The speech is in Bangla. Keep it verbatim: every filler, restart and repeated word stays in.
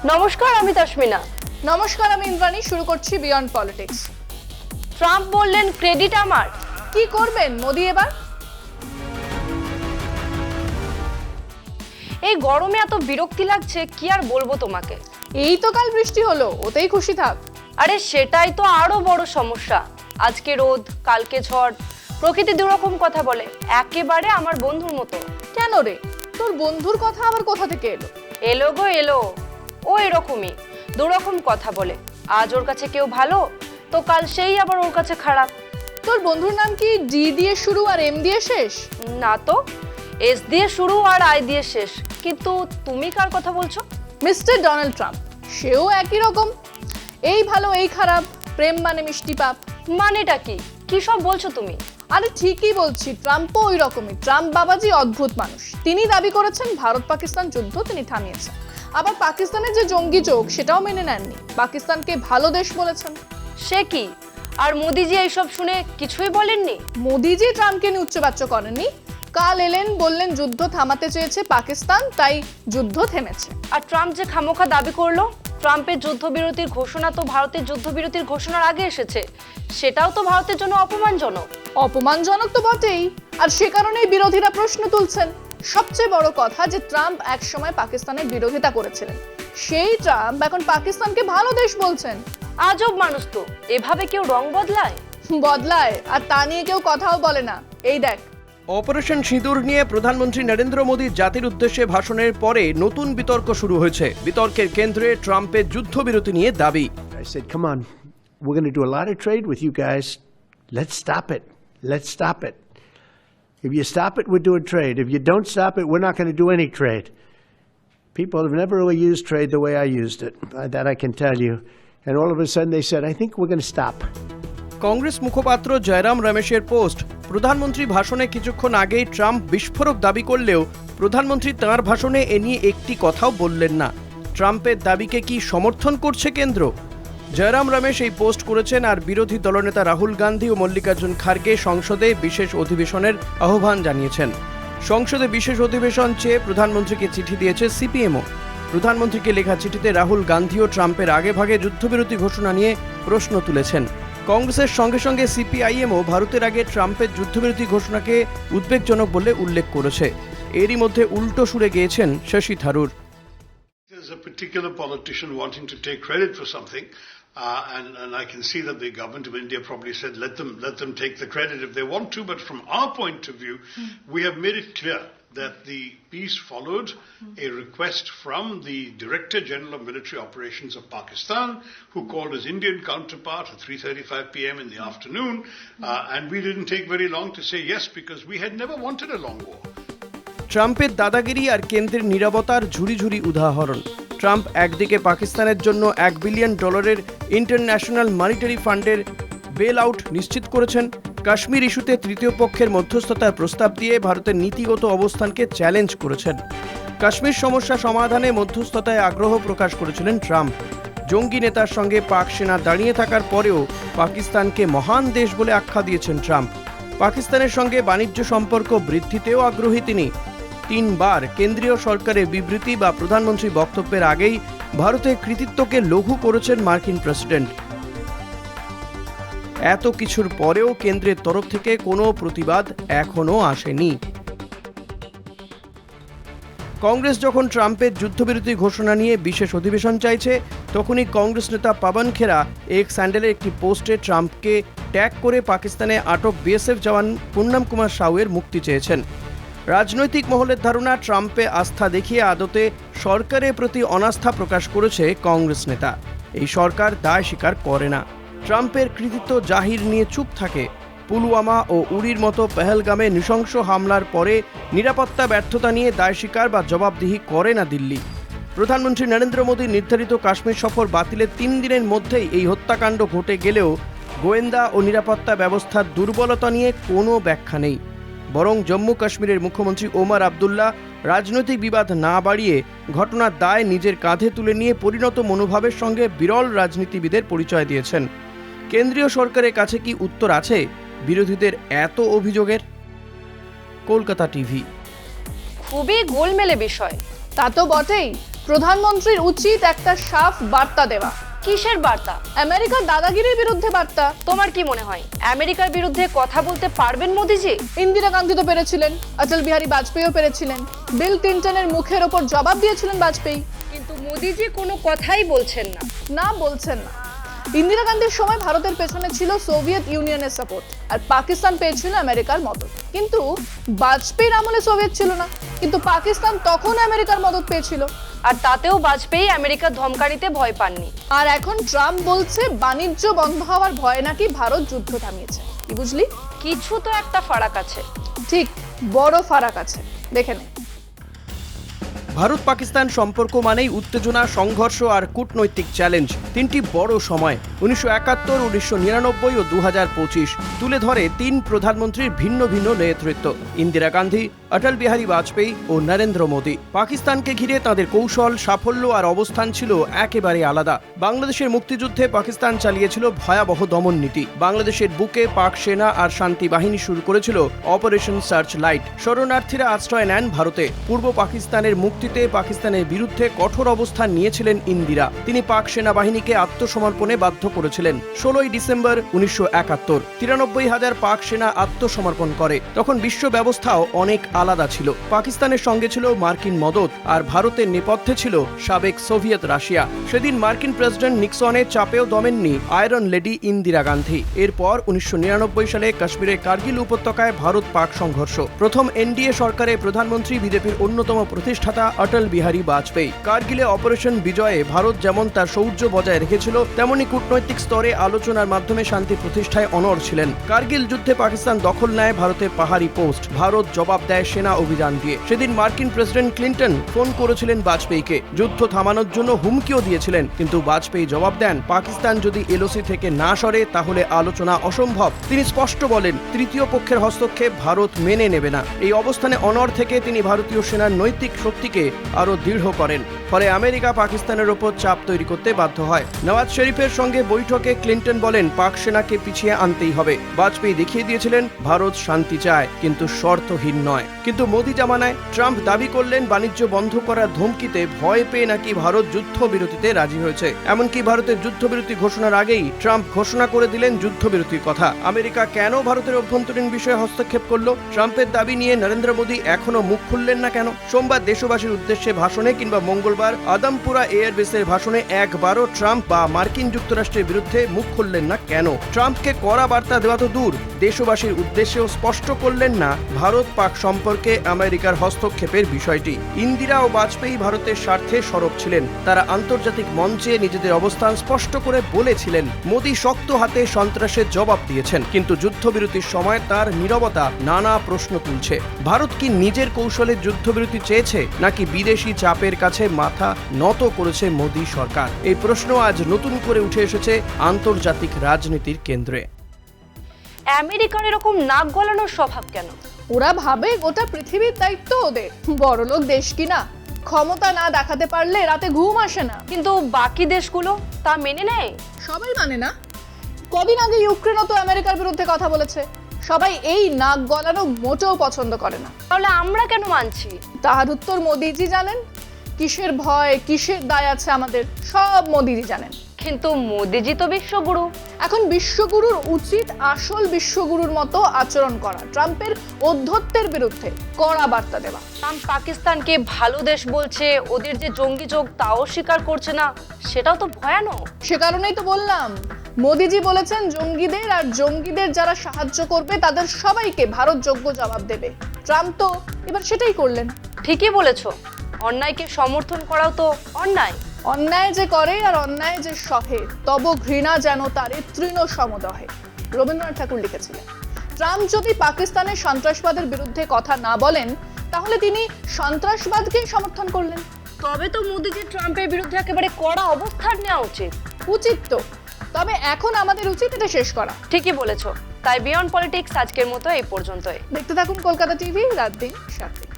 নমস্কার, আমি তাসমিনা। নমস্কার, আমি ইন্দ্রাণী। শুরু করছি বিয়ন্ড পলিটিক্স। ট্রাম্প বললেন ক্রেডিট আমার। কি করবেন মোদি এবার? এই গরমে এত বিরক্তি লাগছে, কি আর বলবো তোমাকে। এই তো কাল বৃষ্টি হলো, ওতেই খুশি থাক। আরে সেটাই তো আরো বড় সমস্যা। আজকে রোদ, কালকে ঝড়, প্রকৃতি দুরকম কথা বলে, একেবারে আমার বন্ধুর মতো। কেন রে, তোর বন্ধুর কথা আবার কোথা থেকে এলো? এলো গো এলো, ও এরকমই দুরকম কথা বলে। আজ ওর কাছে কেউ ভালো, তো কাল সেই আবার ওর কাছে খারাপ। তোর বন্ধুর নাম কি ডি দিয়ে শুরু আর এম দিয়ে শেষ? না তো, এস দিয়ে শুরু আর আই দিয়ে শেষ। কিন্তু তুমি কার কথা বলছো? Mister Donald Trump. সেও একই রকম, এই ভালো এই খারাপ, প্রেম মানে মিষ্টি পাপ। মানেটা কি? কি সব বলছো তুমি? আরে ঠিকই বলছি, ট্রাম্পও ওই রকমই। ট্রাম্প বাবাজি অদ্ভুত মানুষ। তিনি দাবি করেছেন ভারত পাকিস্তান যুদ্ধ তিনি থামিয়েছেন, আবার পাকিস্তানের যে জঙ্গি যোগ সেটাও মেনে নেননি, পাকিস্তানকে ভালো দেশ বলেছেন। সে কি? আর মোদিজি এইসব শুনে কিছুই বলেননি? মোদিজি ট্রাম্পকে নিয়ে উচ্চবাচ্য করেননি। কাল এলেন, বললেন যুদ্ধ থামাতে চেয়েছে পাকিস্তান, তাই যুদ্ধ থেমেছে। আর ট্রাম্প যে খামোখা দাবি করলো, ট্রাম্পের যুদ্ধবিরতির ঘোষণা তো ভারতের যুদ্ধবিরতির ঘোষণার আগে এসেছে, সেটাও তো ভারতের জন্য অপমানজনক। অপমানজনক তো বটেই, আর সে কারণেই বিরোধীরা প্রশ্ন তুলছেন। সবচেয়ে বড় কথা যে ট্রাম্প একসময় পাকিস্তানের বিরোধিতা করেছিলেন, সেই ট্রাম্প এখন পাকিস্তানকে ভালো দেশ বলছেন। আজব মানুষ তো, এভাবে কেউ রং বদলায়? বদলায়, আর তা নিয়ে কেউ কথাও বলে না। এই দেখ, অপারেশন সিঁদুর নিয়ে প্রধানমন্ত্রী নরেন্দ্র মোদী জাতির উদ্দেশ্যে ভাষণের পরে নতুন বিতর্ক শুরু হয়েছে। বিতর্কের কেন্দ্রে ট্রাম্পের যুদ্ধবিরতি নিয়ে দাবি। I said, come on, we're going to do a lot of trade with you guys. Let's stop it. Let's stop it. If you stop it, we're doing trade. If you don't stop it, we're not going to do any trade. People have never really used trade the way I used it. That I can tell you. And all of a sudden they said, I think we're going to stop. Congress মুখপাত্র জয়রাম রমেশের পোস্ট। প্রধানমন্ত্রী ভাষণে কিছুক্ষণ আগেই ট্রাম্প বিস্ফোরক দাবি করলেও প্রধানমন্ত্রী তাঁর ভাষণে এ নিয়ে একটি কথাও বললেন না। ট্রাম্পের দাবিকে কি সমর্থন করছে কেন্দ্র? জয়রাম রমেশ এই পোস্ট করেছেন আর বিরোধী দলনেতা রাহুল গান্ধী ও মল্লিকার্জুন খার্গে সংসদে বিশেষ অধিবেশনের আহ্বান জানিয়েছেন। সংসদে বিশেষ অধিবেশন চেয়ে প্রধানমন্ত্রীকে চিঠি দিয়েছে সিপিএমও। প্রধানমন্ত্রীকে লেখা চিঠিতে রাহুল গান্ধীও ট্রাম্পের আগেভাগে যুদ্ধবিরতি ঘোষণা নিয়ে প্রশ্ন তুলেছেন। কংগ্রেসের সঙ্গে সঙ্গে সিপিআইএমও ভারতের আগে ট্রাম্পের যুদ্ধবিরতি ঘোষণাকে উদ্বেগজনক বলে উল্লেখ করেছে। এরই মধ্যে উল্টো সুরে গিয়েছেন Shashi Tharoor. There's a particular politician wanting to take credit for something, uh, and, and I can see that the government of India probably said, let them, let them take the credit if they want to, but from our point of view, mm. we have made it clear that the peace followed mm. a request from the Director General of Military Operations of Pakistan, who called his Indian counterpart at three thirty-five p m in the mm. afternoon, uh, and we didn't take very long to say yes, because we had never wanted a long war. ট্রাম্পের দাদাগিরি আর কেন্দ্রের নীরবতার ঝুড়ি ঝুড়ি উদাহরণ। ট্রাম্প একদিকে পাকিস্তানের জন্য এক বিলিয়ন ডলারের ইন্টারন্যাশনাল মনিটারি ফান্ডের বেল আউট নিশ্চিত করেছেন, কাশ্মীর ইস্যুতে তৃতীয় পক্ষের মধ্যস্থতার প্রস্তাব দিয়ে ভারতের নীতিগত অবস্থানকে চ্যালেঞ্জ করেছেন। কাশ্মীর সমস্যা সমাধানে মধ্যস্থতায় আগ্রহ প্রকাশ করেছিলেন ট্রাম্প। জঙ্গি নেতার সঙ্গে পাক সেনা দাঁড়িয়ে থাকার পরেও পাকিস্তানকে মহান দেশ বলে আখ্যা দিয়েছেন ট্রাম্প। পাকিস্তানের সঙ্গে বাণিজ্য সম্পর্ক বৃদ্ধিতেও আগ্রহী তিনি। তিনবার কেন্দ্রীয় সরকারের বিবৃতি বা প্রধানমন্ত্রী বক্তব্যের আগেই ভারতের কৃতিত্বকে লঘু করেছেন মার্কিন প্রেসিডেন্ট। এত কিছুর পরেও কেন্দ্রের তরফ থেকে কোনো প্রতিবাদ এখনো আসেনি। কংগ্রেস যখন ট্রাম্পের যুদ্ধবিরতি ঘোষণা নিয়ে বিশেষ অধিবেশন চাইছে, তখনই কংগ্রেস নেতা পাবন খেরা এক্স হ্যান্ডেলের একটি পোস্টে ট্রাম্পকে ট্যাগ করে পাকিস্তানে আটক বিএসএফ জওয়ান পূর্ণম কুমার সাউয়ের মুক্তি চেয়েছেন। রাজনৈতিক মহলের ধারণা, ট্রাম্পে আস্থা দেখিয়ে আদতে সরকারের প্রতি অনাস্থা প্রকাশ করেছে কংগ্রেস নেতা। এই সরকার দায় স্বীকার করে না, ট্রাম্পের কৃতিত্ব জাহির নিয়ে চুপ থাকে। পুলওয়ামা ও উরির মতো পেহেলগামে নৃশংস হামলার পরে নিরাপত্তা ব্যর্থতা নিয়ে দায় স্বীকার বা জবাবদিহি করে না দিল্লি। প্রধানমন্ত্রী নরেন্দ্র মোদী নির্ধারিত কাশ্মীর সফর বাতিলের তিন দিনের মধ্যেই এই হত্যাকাণ্ড ঘটে গেলেও গোয়েন্দা ও নিরাপত্তা ব্যবস্থার দুর্বলতা নিয়ে কোনো ব্যাখ্যা নেই। বরং জম্মু কাশ্মীরের মুখ্যমন্ত্রী ওমর আবদুল্লাহ রাজনৈতিক বিবাদ না বাড়িয়ে ঘটনার দায় নিজের কাঁধে তুলে নিয়ে পরিণত মনোভাবের সঙ্গে বিরল রাজনীতিবিদের পরিচয় দিয়েছেন। কেন্দ্রীয় সরকারের কাছে কি উত্তর আছে বিরোধীদের এত অভিযোগের? কলকাতা টিভি। খুবই গোলমেলে বিষয়। তা তো বটেই। প্রধানমন্ত্রীর উচিত একটা সাফ বার্তা দেওয়া। কিসের বার্তা? আমেরিকার দাদাগিরির বিরুদ্ধে বার্তা। তোমার কি মনে হয় আমেরিকার বিরুদ্ধে কথা বলতে পারবেন মোদিজি? ইন্দিরা গান্ধী তো পেরেছিলেন, অটল বিহারী বাজপেয়ীও পেরেছিলেন, বিল ক্লিন্টনের মুখের ওপর জবাব দিয়েছিলেন বাজপেয়ী। কিন্তু মোদিজি কোনো কথাই বলছেন না। না, বলছেন না। ইন্দিরা গান্ধীর সময় ভারতের পেছনে ছিল সোভিয়েত ইউনিয়নের সাপোর্ট, আর পাকিস্তান পেয়েছিল আমেরিকার মদত। কিন্তু বাজপেয়ীর আমলে সোভিয়েত ছিল না, কিন্তু পাকিস্তান তখন আমেরিকার মদত পেয়েছিল। আর তাতেও বাজপেয়ী আমেরিকার ধমকানিতে ভয় পাননি। আর এখন ট্রাম্প বলছে বাণিজ্য বন্ধ হওয়ার ভয়ে নাকি ভারত যুদ্ধ থামিয়েছে। কি বুঝলি? কিছু তো একটা ফারাক আছে। ঠিক, বড় ফারাক আছে, দেখে নে। ভারত পাকিস্তান সম্পর্ক মানেই উত্তেজনা, সংঘর্ষ আর কূটনৈতিক চ্যালেঞ্জ। তিনটি বড় সময় উনিশশো একাত্তর, উনিশশো নিরানব্বই ও দু হাজার পঁচিশ তুলে ধরে তিন প্রধানমন্ত্রীর ভিন্ন ভিন্ন নেতৃত্ব, ইন্দিরা গান্ধী, অটল বিহারী বাজপেয়ী ও নরেন্দ্র মোদী। পাকিস্তানকে ঘিরে তাদের কৌশল, সাফল্য আর অবস্থান ছিল একেবারে আলাদা। বাংলাদেশের মুক্তিযুদ্ধে পাকিস্তান চালিয়েছিল ভয়াবহ দমন নীতি। বাংলাদেশের বুকে পাক সেনা আর শান্তি বাহিনী শুরু করেছিল অপারেশন সার্চ লাইট। শরণার্থীরা আশ্রয় নেন ভারতে। পূর্ব পাকিস্তানের মুক্তিতে পাকিস্তানের বিরুদ্ধে কঠোর অবস্থান নিয়েছিলেন ইন্দিরা। তিনি পাক সেনাবাহিনীকে আত্মসমর্পণে বাধ্য করেছিলেন। ষোলোই ডিসেম্বর উনিশশো একাত্তর তিরানব্বই হাজার পাক সেনা আত্মসমর্পণ করে। তখন বিশ্ব ব্যবস্থাও অনেক আলাদা ছিল। পাকিস্তানের সঙ্গে ছিল মার্কিন মদত, আর ভারতের নেপথ্যে ছিল সাবেক সোভিয়েত রাশিয়া। সেদিন মার্কিন প্রেসিডেন্ট নিক্সনের চাপেও দমেননি আয়রন লেডি ইন্দিরা গান্ধী। এরপর উনিশশো নিরানব্বই সালে কাশ্মীরের কার্গিল উপত্যকায় ভারত পাক সংঘর্ষ। প্রথম এনডিএ সরকারের প্রধানমন্ত্রী বিজেপির অন্যতম প্রতিষ্ঠাতা অটল বিহারী বাজপেয়ী। কার্গিলে অপারেশন বিজয়ে ভারত যেমন তার শৌর্য বজায় রেখেছিল, তেমনি কূটনৈতিক স্তরে আলোচনার মাধ্যমে শান্তি প্রতিষ্ঠায় অনড় ছিলেন। কার্গিল যুদ্ধে পাকিস্তান দখল নেয় ভারতের পাহাড়ি পোস্ট। ভারত জবাব দেয় সেনা অভিযান দিয়ে। সেদিন মার্কিন প্রেসিডেন্ট ক্লিন্টন ফোন করেছিলেন বাজপেয়ীকে, যুদ্ধ থামানোর জন্য হুমকিও দিয়েছিলেন। কিন্তু বাজপেয়ী জবাব দেন, পাকিস্তান যদি এলওসি থেকে না সরে তাহলে আলোচনা অসম্ভব। তিনি স্পষ্ট বলেন, তৃতীয় পক্ষের হস্তক্ষেপ ভারত মেনে নেবে না। এই অবস্থানে অনড় থেকে তিনি ভারতীয় সেনার নৈতিক শক্তিকে আরো দৃঢ় করেন। ফলে আমেরিকা পাকিস্তানের ওপর চাপ তৈরি করতে বাধ্য হয়। নওয়াজ শরীফের সঙ্গে বৈঠকে ক্লিন্টন বলেন, পাক সেনাকে পিছিয়ে আনতেই হবে। বাজপেয়ী দেখিয়ে দিয়েছিলেন ভারত শান্তি চায়, কিন্তু শর্তহীন নয়। কিন্তু মোদি জামানায় ট্রাম্প দাবি করলেন বাণিজ্য বন্ধ করার ধমকিতে ভয় পেয়ে নাকি ভারত যুদ্ধবিরতিতে রাজি হয়েছে। এমনকি ভারতের যুদ্ধবিরতি ঘোষণার আগেই ট্রাম্প ঘোষণা করে দিলেন যুদ্ধবিরতির কথা। আমেরিকা কেন ভারতের অভ্যন্তরীণ বিষয়ে হস্তক্ষেপ করলো? ট্রাম্পের দাবি নিয়ে নরেন্দ্র মোদী এখনো মুখ খুললেন না কেন? সোমবার দেশবাসীর উদ্দেশ্যে ভাষণে কিংবা মঙ্গলবার আদমপুরা এয়ারবেসের ভাষণে একবারও ট্রাম্প বা মার্কিন যুক্তরাষ্ট্রের বিরুদ্ধে মুখ খুললেন না কেন? ট্রাম্পকে কড়া বার্তা দেওয়া তো দূর, দেশবাসীর উদ্দেশ্যেও স্পষ্ট করলেন না ভারত পাক সম্পর্কে আমেরিকার হস্তক্ষেপের বিষয়টি। ইন্দিরা ও বাজপেয়ী ভারতের স্বার্থে সরব ছিলেন। তারা আন্তর্জাতিক মঞ্চে নিজেদের অবস্থান স্পষ্ট করে বলেছিলেন। মোদী শক্ত হাতে সন্ত্রাসের জবাব দিয়েছেন, কিন্তু যুদ্ধবিরতির সময় তার নীরবতা নানা প্রশ্ন তুলছে। ভারত কি নিজের কৌশলে যুদ্ধবিরতি চেয়েছে, নাকি বিদেশি চাপের কাছে মাথা নত করেছে মোদী সরকার? এই প্রশ্ন আজ নতুন করে উঠে এসেছে আন্তর্জাতিক রাজনীতির কেন্দ্রে। আমেরিকার এরকম নাক গলানোর স্বভাব কেন? ওরা ভাবে গোটা পৃথিবীর দায়িত্ব ওদের। বড়লোক দেশ কিনা, ক্ষমতা না দেখাতে পারলে রাতে ঘুম আসে না। কিন্তু বাকি দেশগুলো তা মেনে নেয়? সবাই মানে না। কদিন আগে ইউক্রেনও তো আমেরিকার বিরুদ্ধে কথা বলেছে। সবাই এই নাক গলানো মোটেও পছন্দ করে না। তাহলে আমরা কেন মানছি? তাহার উত্তর মোদিজি জানেন। কিসের ভয়, কিসের দায় আছে আমাদের, সব মোদিজি জানেন। কিন্তু মোদিজি তো বিশ্বগুরু। এখন বিশ্বগুরুর উচিত আসল বিশ্বগুরুর মতো আচরণ করা, ট্রাম্পের ঔদ্ধত্যের বিরুদ্ধে কড়া বার্তা দেওয়া। ট্রাম্প পাকিস্তানকে ভালো দেশ বলছে, ওদের যে জঙ্গি যোগ তাও স্বীকার করছে না, সেটাও তো ভয়ানক। সে কারণেই তো বললাম, মোদিজি বলেছেন জঙ্গিদের আর জঙ্গিদের যারা সাহায্য করবে তাদের সবাইকে ভারত যোগ্য জবাব দেবে। ট্রাম্প তো এবার সেটাই করলেন। ঠিকই বলেছো, অন্যায়কে সমর্থন করাও তো অন্যায়। অন্যায় যে করে আর অন্যায় যে সহে, তব ঘৃণা যেন তারে তৃণ সমদহে, রবীন্দ্রনাথ ঠাকুর লিখেছিলেন। ট্রাম্প যদি পাকিস্তানের সন্ত্রাসবাদের বিরুদ্ধে কথা না বলেন, তাহলে তিনি সন্ত্রাসবাদকেই সমর্থন করলেন। তবে তো মোদিজি ট্রাম্পের বিরুদ্ধে একেবারে কড়া অবস্থান নেওয়া উচিত। উচিত তো, তবে এখন আমাদের উচিত এটা শেষ করা। ঠিকই বলেছো। তাই বিয়ন্ড পলিটিক্স আজকের মতো এই পর্যন্তই। দেখতে থাকুন কলকাতা টিভি, রাত দিন সাত দিন।